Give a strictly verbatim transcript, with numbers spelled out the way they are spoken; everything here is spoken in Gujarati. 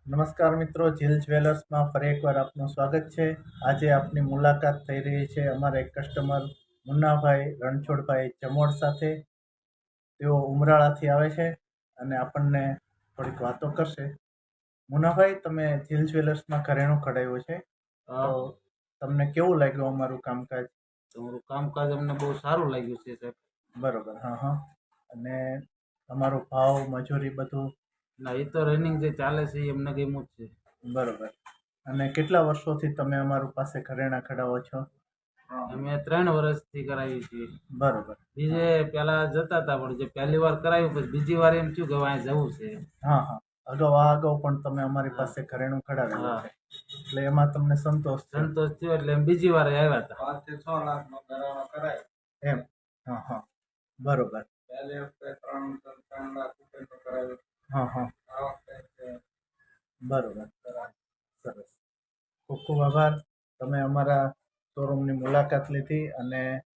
નમસ્કાર મિત્રો, જીલ જ્વેલર્સમાં ફરી એકવાર આપનું સ્વાગત છે. આજે આપની મુલાકાત થઈ રહી છે અમારા એક કસ્ટમર મુન્નાભાઈ રણછોડભાઈ જમોડ સાથે. તેઓ ઉમરાળાથી આવે છે અને આપણને થોડીક વાતો કરશે. મુન્નાભાઈ, તમે જીલ જ્વેલર્સમાં ઘરેણું કઢાવ્યું છે, તો તમને કેવું લાગ્યું અમારું કામકાજ? તમારું કામકાજ અમને બહુ સારું લાગ્યું છે સાહેબ. બરોબર. હા હા. અને તમારો ભાવ, મજૂરી બધું? ના, એ તો રનિંગ જે ચાલે છે એ અમને ગમ્યું જ છે. બરોબર. અને કેટલા વર્ષોથી તમે અમારું પાસે ઘરેણાં કઢાવો છો? અમે ત્રણ વર્ષથી કરાવી છીએ. બરોબર. બીજે પેલા જતા હતા, પણ જે પહેલી વાર કરાવ્યું પછી બીજી વાર એમ થયું કે હવે અહીંયા જવું છે. હા હા. અગાઉ આ અગાઉ પણ તમે અમારી પાસે ઘરેણું કઢાવેલું હા. છે, એટલે એમાં તમને સંતોષ છે. સંતોષ થયો એટલે એમ બીજી વાર આવ્યા હતા. પાંચ થી છ લાખ નો કરારો કરાય એમ. હા હા. બરોબર. પહેલી વખતે ત્રણ ત્રણ લાખ રૂપિયા કરાવ્યું. હા હા. આ વખતે બરોબર. સરસ. ખૂબ ખૂબ આભાર. તમે અમારા શોરૂમની મુલાકાત લીધી અને